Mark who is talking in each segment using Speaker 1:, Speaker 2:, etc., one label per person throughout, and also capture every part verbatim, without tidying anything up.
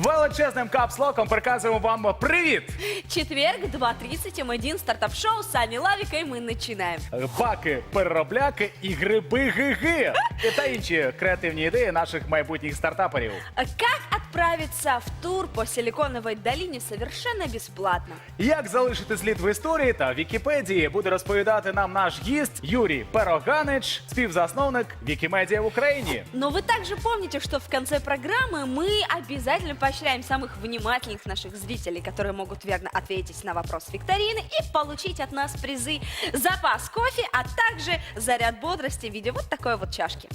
Speaker 1: величезним капслоком приказуємо вам привіт!
Speaker 2: Четверг, два тридцать, эм один, стартап-шоу с Аней Лавикой. Мы начинаем.
Speaker 1: Баки, переробляки і гриби-гиги. Та інші креативні ідеї наших майбутніх стартаперів.
Speaker 2: Как отправиться в тур по Силиконовой долине совершенно бесплатно?
Speaker 1: Як залишити слід в історії та Вікіпедії, буде розповідати нам наш гість Юрій Пероганич, співзасновник Вікімедія в Україні.
Speaker 2: Но вы также помните, что в конце программы мы обязательно поощряем самых внимательных наших зрителей, которые могут верно ответить на вопрос викторины и получить от нас призы, запас кофе, а также заряд бодрости в виде вот такой вот чашки.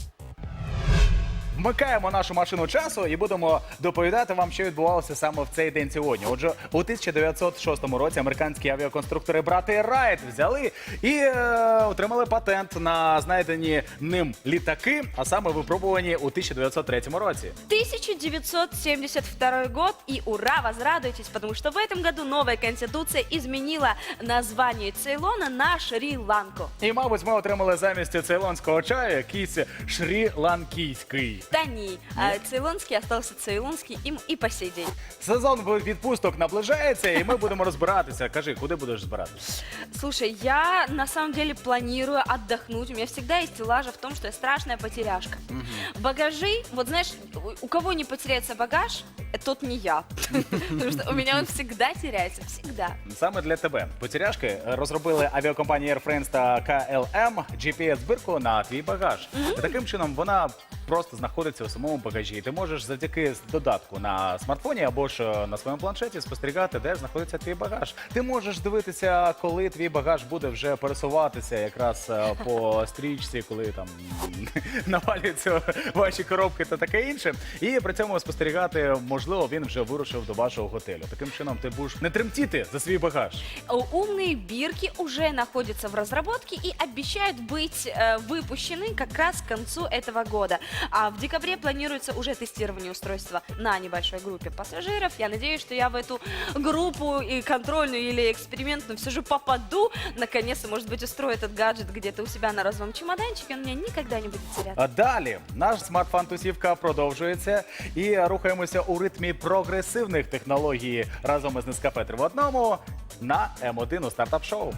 Speaker 1: Вмикаємо нашу машину часу і будемо доповідати вам, що відбувалося саме в цей день сьогодні. Отже, у тисяча дев'ятсот шостому році американські авіаконструктори брати Райт взяли і е, отримали патент на знайдені ним літаки, а саме випробувані у тисяча дев'ятсот третьому році.
Speaker 2: тысяча девятьсот семьдесят второй год, и ура, возрадуйтесь, потому что в этом году новая конституция изменила название Цейлона на Шри-Ланку.
Speaker 1: І, мабуть, ми отримали замість цейлонського чаю якийсь шрі-ланкійський.
Speaker 2: Да не, а цейлонский остался цейлонский им и по сей день.
Speaker 1: Сезон відпусток наближається, і ми будемо розбиратися. Кажи, куди будеш збиратися?
Speaker 2: Слушай, я на самом деле планирую отдохнуть. У меня всегда есть лажа в том, что я страшная потеряшка. Багажи, вот знаешь, у кого не потеряется багаж, тот не я. Потому что у меня он всегда теряется, всегда.
Speaker 1: Саме для тебе. Потеряшки розробили авіакомпанії Air France та ка ел ем джі пі ес-збірку на твій багаж. Таким чином, вона просто знаходиться у самому багажі. І ти можеш завдяки додатку на смартфоні або ж на своєму планшеті спостерігати, де знаходиться твій багаж. Ти можеш дивитися, коли твій багаж буде вже пересуватися якраз е, по стрічці, коли там навалюються ваші коробки та таке інше. І при цьому спостерігати, можливо, він вже вирушив до вашого готелю. Таким чином ти будеш не тремтіти за свій багаж.
Speaker 2: Умные бирки уже находятся в разработке и обещают быть э, выпущены как раз к концу этого года. А в декабре планируется уже тестирование устройства на небольшой группе пассажиров. Я надеюсь, что я в эту группу и контрольную или экспериментную все же попаду. Наконец-то, может быть, устрою этот гаджет где-то у себя на розовом чемоданчике. Он у меня никогда не будет теряться.
Speaker 1: А далі наш смарт-фан-тусівка продовжується і рухаємося у ритмі прогресивних технологій разом із Нескафе три в одному на ем один у стартап-шоу.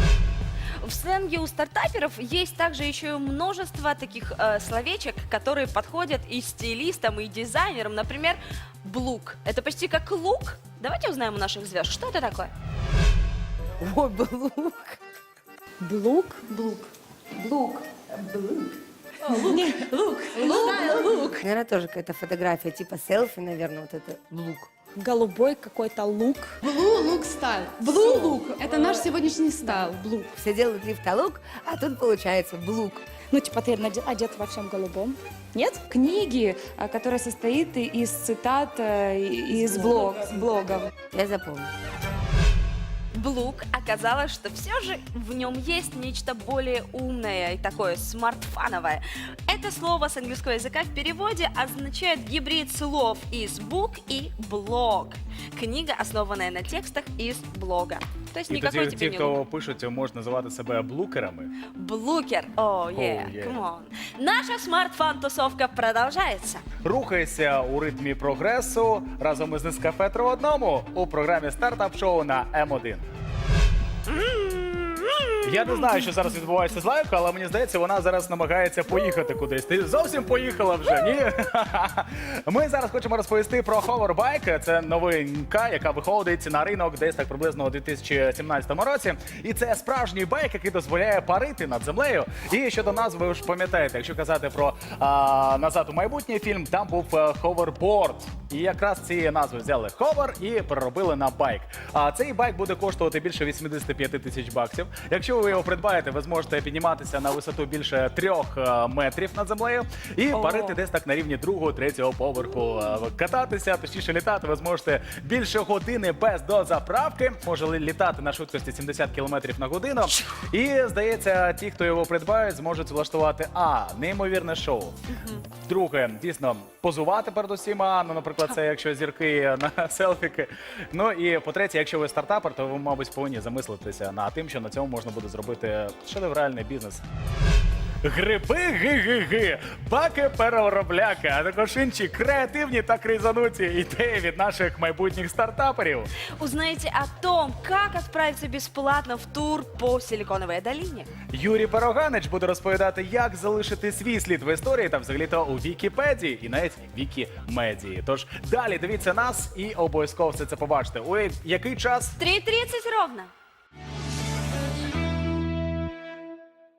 Speaker 2: В сленге у стартаперов есть также еще и множество таких э, словечек, которые подходят и стилистам, и дизайнерам. Например, блук. Это почти как лук. Давайте узнаем у наших звезд, что это такое.
Speaker 3: Ой, блук. Блук? Блук. Блук. Блук. Лук. Лук. Лук. Наверное, тоже какая-то фотография, типа селфи, наверное, вот это лук.
Speaker 4: Голубой какой-то лук.
Speaker 5: Blue Look Style. Blue Look. Это наш сегодняшний стайл. Blue.
Speaker 3: Все делают лифтолук, а тут получается блук.
Speaker 4: Ну, типа ты наде- одет во всем голубом. Нет?
Speaker 6: Книги, а, которая состоит из цитат э, и- из блог, блогов.
Speaker 3: Я запомню.
Speaker 2: Блук, оказалось, что все же в нем есть нечто более умное и такое смартфановое. Это слово с английского языка в переводе означает гибрид слов из бук и блог. Книга, основанная на текстах из блога. То есть
Speaker 1: І
Speaker 2: никакой
Speaker 1: тоді
Speaker 2: тебе
Speaker 1: ті,
Speaker 2: не лук.
Speaker 1: хто пишуть, можуть називати себе блукерами.
Speaker 2: Блукер. О, oh, yeah,
Speaker 1: Oh, yeah.
Speaker 2: come on. Наша смартфан-тусовка продолжается.
Speaker 1: Рухайся у ритмі прогресу разом із Нескафе три в одному у програмі стартап-шоу на ем один. Я не знаю, що зараз відбувається з Лайкою, але мені здається, вона зараз намагається поїхати кудись. Ти зовсім поїхала вже, ні? Ми зараз хочемо розповісти про Hoverbike. Це новинка, яка виходить на ринок десь так приблизно у дві тисячі сімнадцятому році. І це справжній байк, який дозволяє парити над землею. І щодо назви, ви ж пам'ятаєте, якщо казати про а, «Назад у майбутнє» фільм, там був Hoverboard. І якраз ці назви взяли Hover і переробили на байк. А цей байк буде коштувати більше вісімдесят п'ять тисяч баксів. Якщо ви його придбаєте, ви зможете підніматися на висоту більше трьох е, метрів над землею і
Speaker 2: О.
Speaker 1: парити десь так на рівні другого, третього поверху. Е, Кататися, точніше літати, ви зможете більше години без дозаправки. Може літати на швидкості сімдесят кілометрів на годину. І, здається, ті, хто його придбають, зможуть влаштувати а. неймовірне шоу. Друге, дійсно, позувати перед усіма, ну, наприклад, це якщо зірки на селфіки. Ну і по-третє, якщо ви стартапер, то ви, мабуть, повинні замислитися над тим, що на цьому можна буде зробити шедевральний бізнес. Гриби ги-ги-ги, баки переробляки, а також інші креативні та кризануті ідеї від наших майбутніх стартаперів.
Speaker 2: Узнаете о том, как отправиться бесплатно в тур по Силиконовой долине.
Speaker 1: Юрій Пероганич буде розповідати, як залишити свій слід в історії та взагалі-то у Вікіпедії і навіть Вікімедії. Тож далі дивіться нас і обов'язково все це побачите. Ой, який час?
Speaker 2: три тридцать ровно.